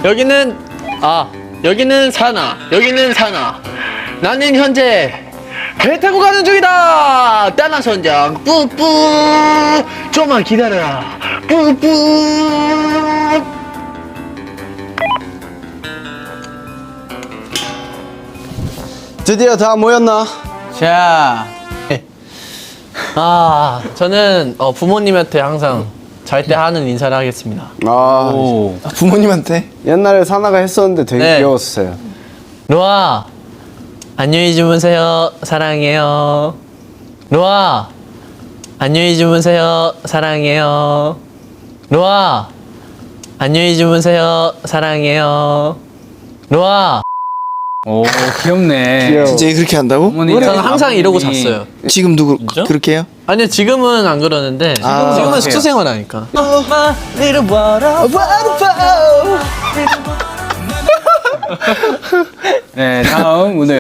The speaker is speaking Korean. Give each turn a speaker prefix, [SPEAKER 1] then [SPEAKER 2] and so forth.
[SPEAKER 1] 여기는 사나. 여기는 사나. 나는 현재 배 타고 가는 중이다. 따나 선장. 뿌뿌. 좀만 기다려라. 뿌뿌.
[SPEAKER 2] 드디어 다 모였나?
[SPEAKER 3] 자,
[SPEAKER 1] 저는 부모님한테 항상 잘 때 하는 인사를 하겠습니다.
[SPEAKER 3] 오.
[SPEAKER 2] 부모님한테? 옛날에 사나가 했었는데 되게
[SPEAKER 1] 네.
[SPEAKER 2] 귀여웠어요.
[SPEAKER 1] 로아, 안녕히 주무세요. 사랑해요. 로아, 안녕히 주무세요. 사랑해요. 로아, 안녕히 주무세요. 사랑해요. 로아.
[SPEAKER 3] 오, 귀엽네.
[SPEAKER 2] 귀여워.
[SPEAKER 4] 진짜 그렇게 한다고?
[SPEAKER 3] 어머니,
[SPEAKER 1] 저는 항상 이러고 잤어요.
[SPEAKER 4] 지금도
[SPEAKER 3] 진짜?
[SPEAKER 4] 그렇게 해요?
[SPEAKER 1] 아니요, 지금은 안 그러는데 지금은 숙소 생활하니까.
[SPEAKER 3] 네, 다음 오늘